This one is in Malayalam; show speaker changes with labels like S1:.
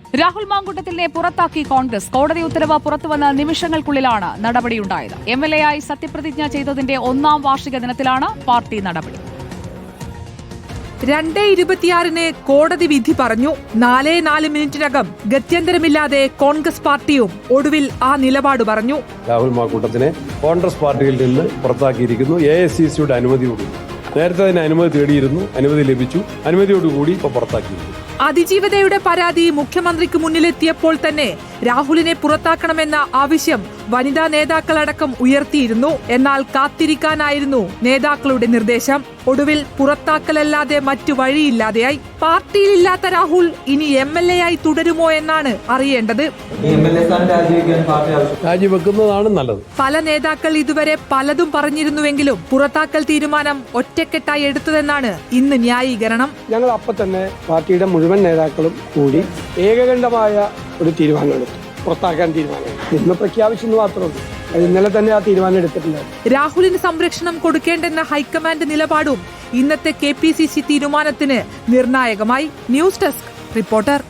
S1: രാഹുൽ മാങ്കൂട്ടത്തിലിനെ പുറത്താക്കി കോൺഗ്രസ്. കോടതി ഉത്തരവ് പുറത്തുവന്ന നിമിഷങ്ങൾക്കുള്ളിലാണ് നടപടിയുണ്ടായത്. MLA ആയി സത്യപ്രതിജ്ഞ ചെയ്തതിന്റെ 1ാം വാർഷിക ദിനത്തിലാണ് പാർട്ടി നടപടി.
S2: 2:26 കോടതി വിധി പറഞ്ഞു. 4 മിനിറ്റിനകം ഗത്യന്തരമില്ലാതെ കോൺഗ്രസ് പാർട്ടിയും ഒടുവിൽ ആ നിലപാട് പറഞ്ഞു.
S3: രാഹുൽ മാങ്കൂട്ടത്തിനെ കോൺഗ്രസ് പാർട്ടിയിൽ നിന്ന് പുറത്താക്കിയിരിക്കുന്നു. AICCയുടെ അനുമതിയോടുകൂടി. നേരത്തെ അതിന് അനുമതി തേടിയിരുന്നു, അനുമതി ലഭിച്ചു. അനുമതിയോടുകൂടി ഇപ്പോൾ പുറത്താക്കിയിരുന്നു.
S2: അതിജീവിതയുടെ പരാതി മുഖ്യമന്ത്രിക്ക് മുന്നിലെത്തിയപ്പോൾ തന്നെ രാഹുലിനെ പുറത്താക്കണമെന്ന ആവശ്യം വനിതാ നേതാക്കളടക്കം ഉയർത്തിയിരുന്നു. എന്നാൽ കാത്തിരിക്കാനായിരുന്നു നേതാക്കളുടെ നിർദ്ദേശം. ഒടുവിൽ പുറത്താക്കലല്ലാതെ മറ്റു വഴിയില്ലാതെയായി. പാർട്ടിയിലില്ലാത്ത രാഹുൽ ഇനി MLA ആയി തുടരുമോ എന്നാണ് അറിയേണ്ടത്.
S3: രാജിവെക്കുന്നതാണ് നല്ലത്.
S2: പല നേതാക്കൾ ഇതുവരെ പലതും പറഞ്ഞിരുന്നുവെങ്കിലും പുറത്താക്കൽ തീരുമാനം ഒറ്റക്കെട്ടായി എടുത്തതെന്നാണ് ഇന്ന് ന്യായീകരണം.
S4: ഞങ്ങൾ അപ്പം തന്നെ പാർട്ടിയുടെ മുഴുവൻ നേതാക്കളും കൂടി ഏകകണ്ഠമായ ഒരു തീരുമാനമെടുത്തു. പുറത്താക്കാൻ തീരുമാനം ഇന്ന് പ്രഖ്യാപിച്ചെന്ന് മാത്രമേ. ഇന്നലെ തന്നെ ആ തീരുമാനം എടുത്തിട്ടുണ്ട്.
S2: രാഹുലിന് സംരക്ഷണം കൊടുക്കേണ്ടെന്ന ഹൈക്കമാൻഡ് നിലപാടും ഇന്നത്തെ KPCC തീരുമാനത്തിന് നിർണായകമായി. News desk reporter.